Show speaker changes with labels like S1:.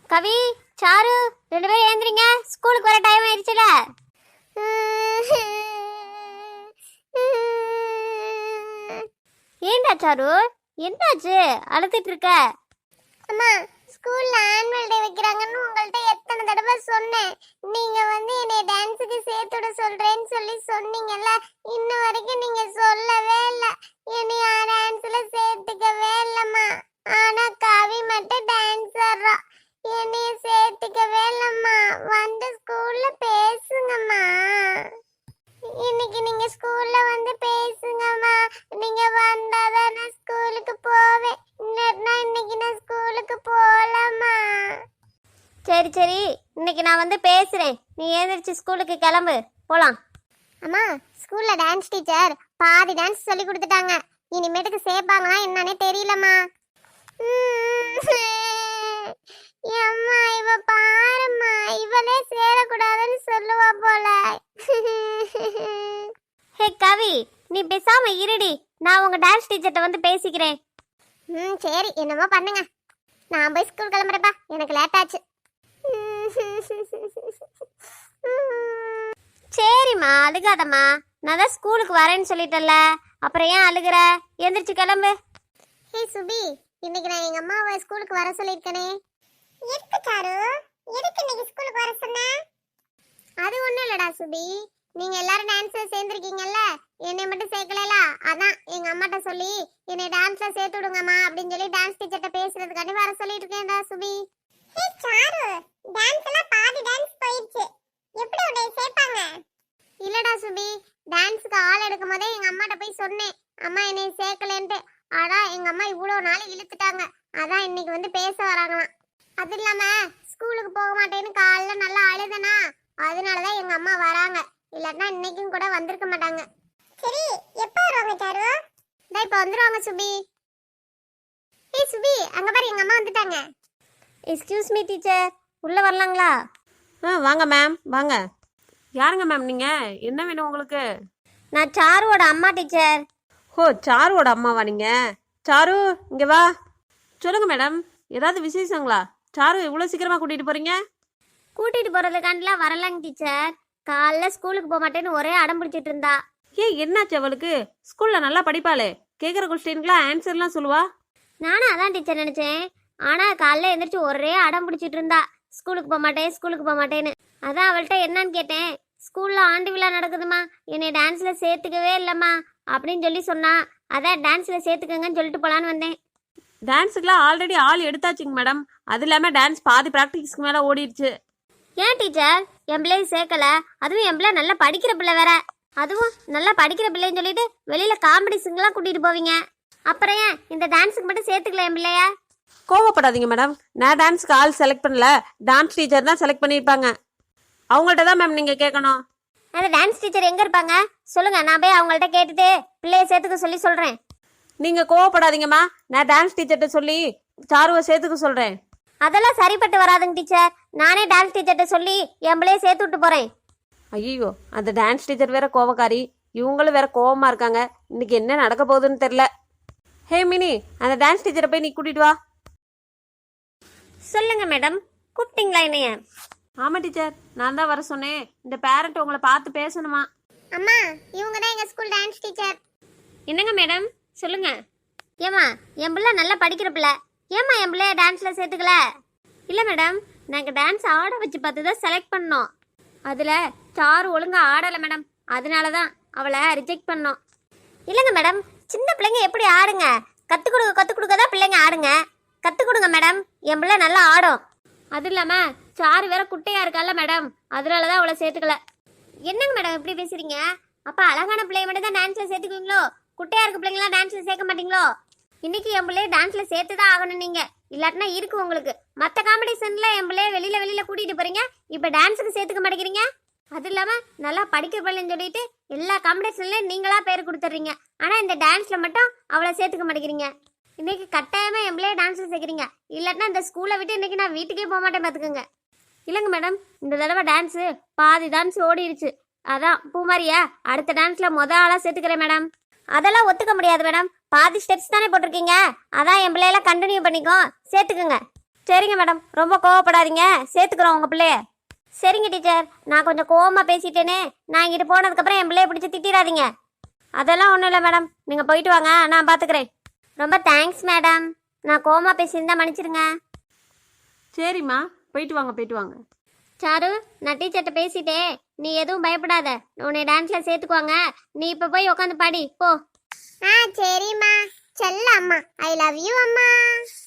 S1: கவி, sir, 2 பேரும் ஏந்திரிங்க. ஸ்கூலுக்கு வர டைம் ஆயிடுச்சுல. ஏண்டா சாரு, என்னாச்சு? அழுத்திட்டு இருக்க?
S2: அம்மா, ஸ்கூல்ல ஆனுவல் டே வைக்கிறாங்கன்னு உங்கள்ட்ட எத்தனை தடவை சொன்னேன். நீங்க என்னை டான்ஸுக்கு சேர்த்துட சொல்றேன்னு சொல்லி சொன்னீங்கல்ல, இன்ன வரைக்கும் நீங்க சொல்லவே இல்ல. என்னை டான்ஸ்ல சேர்த்துக்கவே இல்லம்மா. ஆனா கவி மட்டும் டான்ஸ் ஆடுறா. என்னைய சேர்த்துக்கவே இல்லம்மா. வந்து ஸ்கூல்ல பேசுங்கம்மா. இன்னைக்கு நீங்க ஸ்கூல்ல வந்து பேசுங்கம்மா. நீங்க வந்தாதான் நான் ஸ்கூலுக்கு போவேன். இல்லன்னா இன்னைக்கு நான் ஸ்கூலுக்கு போகலாமா?
S1: சரி சரி, இன்னைக்கு நான் வந்து பேசுறேன். நீ ஏந்திரிச்சு ஸ்கூலுக்கு கிளம்பு, போலாம்.
S2: அம்மா, ஸ்கூல்ல டான்ஸ் டீச்சர் பாதி டான்ஸ் சொல்லி கொடுத்துட்டாங்க. இனிமேட்டுக்கு சேர்ப்பாங்களா என்னன்னே தெரியலம்மா. அம்மா, இவ பாரும்மா, இவளே சேரக்கூடாதுன்னு சொல்லுவா போல.
S1: ஹே கவி, நீ பேசாம இருடி. நான் உங்க டான்ஸ் டீச்சர்ட்ட வந்து பேசிக்கிறேன்.
S2: சரி, என்னமோ பண்ணுங்க. நான் போய் ஸ்கூல் கிளம்புறப்பா, எனக்கு லேட் ஆச்சு.
S1: சரிம்மா, அழுகாதம்மா. நான் தான் ஸ்கூலுக்கு வரேன்னு சொல்லிட்டேன்ல, அப்புறம் ஏன் அழுகுற? எந்திரிச்சு கிளம்பு.
S2: ஹே சுபி, இன்னைக்கு நான் எங்க அம்மாவை ஸ்கூலுக்கு வர சொல்லியிருக்கேனே. எதுக்கு சாரு? எதுக்கு இன்னைக்கு ஸ்கூலுக்கு வர சொன்ன? அது ஒண்ணும் இல்லடா சுபி, நீங்க எல்லாரும் டான்ஸ்ல சேர்ந்துருக்கீங்கல்ல, என்னை மட்டும் சேர்க்கல. அதான் எங்க அம்மாட்ட சொல்லி என்னை டான்ஸ்ல சேர்த்து விடுங்கம்மா அப்படின்னு சொல்லி டான்ஸ் டீச்சர்ட்ட பேசுறதுக்காண்டி வர சொல்லிட்டு இருக்கேன்டா சுபி. ஹே சாரு, டான்ஸ் எல்லாம் பாதி டான்ஸ் போயிடுச்சு. எப்படி உன்னை சேர்ப்பாங்க? இல்லடா சுபி, டான்ஸ்க்கு ஆள் எடுக்கும் போதே எங்க அம்மாட்ட போய் சொன்னேன், அம்மா என்னை சேர்க்கலன்ட்டு. ஆனா எங்க அம்மா இவ்வளவு நாள் இழுத்துட்டாங்க. அதான் இன்னைக்கு வந்து பேச வராங்களாம். அது இல்லாம ஸ்கூலுக்கு போக மாட்டேன்னு காலைல நல்லா அழுதனா, அதனாலதான் எங்க அம்மா வராங்க. இல்லன்னா இன்னைக்கும் கூட வந்திருக்க மாட்டாங்க. சரி, எப்ப வருவாங்க சாரு? இப்ப வந்துருவாங்க சுபி. ஏய் சுபி, அங்க பாரு, எங்க அம்மா வந்துட்டாங்க.
S1: எக்ஸ்கியூஸ் மீ டீச்சர், உள்ள வரலாங்களா?
S3: வாங்க மேம், வாங்க. யாருங்க மேம் நீங்கள்? என்ன வேணும் உங்களுக்கு?
S1: நான் சாருவோட அம்மா டீச்சர்.
S3: ஓ, சாருவோட அம்மாவா நீங்கள்? சாரு, இங்கே வா. சொல்லுங்கள் மேடம், ஏதாவது விசேஷங்களா? சாரு இவ்வளோ சீக்கிரமாக கூட்டிகிட்டு போகிறீங்க?
S1: கூட்டிட்டு போறதுக்காண்டிலாம் வரலாங்க டீச்சர். காலைல ஸ்கூலுக்கு போக மாட்டேன்னு ஒரே அடம் பிடிச்சிட்டு இருந்தா.
S3: ஏன் என்னாச்சு அவளுக்கு? ஸ்கூலில் நல்லா படிப்பாளே, கேட்குற கொஸ்டின்லாம் ஆன்சர்லாம் சொல்லுவா.
S1: நானும் அதான் டீச்சர் நினைச்சேன். ஆனா காலைல எந்திரிச்சு ஒரே அடம் பிடிச்சிட்டு இருந்தா, ஸ்கூலுக்கு போக மாட்டேன் ஸ்கூலுக்கு போக மாட்டேன்னு. அதான் அவள்கிட்ட என்னன்னு கேட்டேன். ஸ்கூல்ல ஆண்டு விழா நடக்குதுமா, என்னை டான்ஸ்ல சேர்த்துக்கவே இல்லம்மா அப்படின்னு சொல்லி சொன்னா. அதான் டான்ஸ்ல சேர்த்துக்கங்கன்னு சொல்லிட்டு போலான்னு வந்தேன்.
S3: டான்ஸுக்குலாம் ஆல்ரெடி ஆள் எடுத்தாச்சுங்க மேடம். அது இல்லாமல் டான்ஸ் பாதி ப்ராக்டிஸ்க்கு மேலே ஓடிடுச்சு.
S1: ஏன் டீச்சர் என் பிள்ளையை சேர்க்கல? அதுவும் என் பிள்ளை நல்லா படிக்கிற பிள்ளை வேற. அதுவும் நல்லா படிக்கிற பிள்ளைன்னு சொல்லிட்டு வெளியில காம்படிஷன்லாம் கூட்டிட்டு போவீங்க. அப்புறம் ஏன் இந்த டான்ஸுக்கு மட்டும் சேர்த்துக்கல என் பிள்ளைய?
S3: கோவப்படாதீங்க மேடம், நான் டான்ஸுக்கு ஆள் செலக்ட் பண்ணல, டான்ஸ் டீச்சர் தான் செலக்ட் பண்ணியிருப்பாங்க. அவங்கள்ட்ட தான் மேம் நீங்கள் கேட்கணும்.
S1: அந்த டான்ஸ் டீச்சர் எங்க இருப்பாங்க சொல்லுங்க, நான் போய் அவங்கள்ட்ட கேட்டுட்டு பிள்ளைய சேர்த்துக்க சொல்லி சொல்றேன்.
S3: நீங்கள் கோவப்படாதீங்கம்மா, நான் டான்ஸ் டீச்சர்கிட்ட சொல்லி சாருவை சேர்த்துக்க சொல்கிறேன்.
S1: அதெல்லாம் சரிப்பட்டு வராதுங்க டீச்சர். நானே டான்ஸ் டீச்சர்கிட்ட சொல்லி என் பிள்ளைய சேர்த்து விட்டு போறேன்.
S3: ஐயோ, அந்த டான்ஸ் டீச்சர் வேற கோவக்காரி, இவங்களும் வேற கோவமா இருக்காங்க. இன்னைக்கு என்ன நடக்க போகுதுன்னு தெரியல. ஹே மினி, அந்த டான்ஸ் டீச்சரை போய் நீ கூட்டிட்டு வா.
S1: சொல்லுங்க மேடம், கூப்பிட்டீங்களா என்னைய?
S3: ஆமா டீச்சர், நான் தான் வர சொன்னேன். இந்த பேரண்ட் உங்களை பார்த்து பேசணுமா?
S2: அம்மா, இவங்க தான் எங்க ஸ்கூல் டான்ஸ் டீச்சர்.
S1: என்னங்க மேடம், சொல்லுங்க. ஏமா, என் பிள்ளை நல்லா படிக்கிற பிள்ளை, ஏமா என் பிள்ளைய டான்ஸ்ல சேர்த்துக்கல? இல்ல மேடம், நாங்க டான்ஸ் ஆட வச்சு பார்த்து தான் செலக்ட் பண்ணோம். அதுல சாரு ஒழுங்கா ஆடலை மேடம், அதனாலதான் அவளை ரிஜெக்ட் பண்ணோம். இல்லைங்க மேடம், சின்ன பிள்ளைங்க எப்படி ஆடுங்க? கற்றுக் கொடுக்க தான் பிள்ளைங்க ஆடுங்க. கற்றுக் கொடுங்க மேடம், என் பிள்ளை நல்லா ஆடும். அது இல்லாமல் சாரு வேற குட்டையாக இருக்கால மேடம், அதனால தான் அவளை சேர்த்துக்கல. என்னங்க மேடம் இப்படி பேசுறீங்க? அப்போ அழகான பிள்ளைய மட்டும் தான் டான்ஸில் சேர்த்துக்குவீங்களோ? குட்டையாக இருக்க பிள்ளைங்களாம் டான்ஸில் சேர்க்க மாட்டீங்களோ? இன்னைக்கு என் பிள்ளைய டான்ஸில் சேர்த்து தான் ஆகணும் நீங்கள், இல்லாட்டினா இருக்கு உங்களுக்கு. மற்ற காம்படிஷனில் என் பிள்ளைய வெளியில் கூட்டிகிட்டு போகிறீங்க, இப்போ டான்ஸுக்கு சேர்த்துக்க மாட்டேங்கிறீங்க. அது இல்லாமல் நல்லா படிக்கிற பிள்ளைன்னு சொல்லிட்டு எல்லா காம்படிஷன்லையும் நீங்களா பேர் கொடுத்துட்றீங்க. ஆனால் இந்த டான்ஸில் மட்டும் அவளை சேர்த்துக்க மாட்டேங்கிறீங்க. இன்னைக்கு கட்டாயமாக என் பிள்ளைய டான்ஸில் சேர்க்குறீங்க, இல்லாட்டினா இந்த ஸ்கூலை விட்டு இன்னைக்கு நான் வீட்டுக்கே போக மாட்டேன் பார்த்துக்கோங்க. இல்லைங்க மேடம், இந்த தடவை டான்ஸு பாதி டான்ஸ் ஓடிடுச்சு. அதான் பூமாரியா அடுத்த டான்ஸில் ஆளாக சேர்த்துக்கிறேன் மேடம். அதெல்லாம் ஒத்துக்க முடியாது மேடம், பாதி ஸ்டெப்ஸ் தானே போட்டிருக்கீங்க. அதான் என் பிள்ளையெல்லாம் கண்டினியூ பண்ணிக்கோ, சேர்த்துக்குங்க. சரிங்க மேடம், ரொம்ப கோவப்படாதீங்க, சேர்த்துக்கிறோம் உங்கள் பிள்ளைய. சரிங்க டீச்சர், நான் கொஞ்சம் கோவமாக பேசிட்டேனே, நான் இங்கிட்டு போனதுக்கப்புறம் என் பிள்ளைய பிடிச்சி திட்டிடாதீங்க. அதெல்லாம் ஒன்றும் இல்லை மேடம், நீங்கள் போயிட்டு வாங்க, நான் பார்த்துக்கிறேன். ரொம்ப தேங்க்ஸ் மேடம், நான் கோவமாக பேசியிருந்தா மன்னிச்சிடுங்க.
S3: சரிம்மா, போயிட்டு வாங்க போயிட்டு வாங்க.
S1: சாரு, நான் டீச்சர்கிட்ட பேசிட்டேன், நீ எதுவும் பயப்படாத, உன்னை டான்ஸில் சேர்த்துக்குவாங்க. நீ இப்போ போய் உட்காந்து பாடி போ.
S2: சரிம்மா. செல்ல அம்மா, ஐ லவ் யூ அம்மா.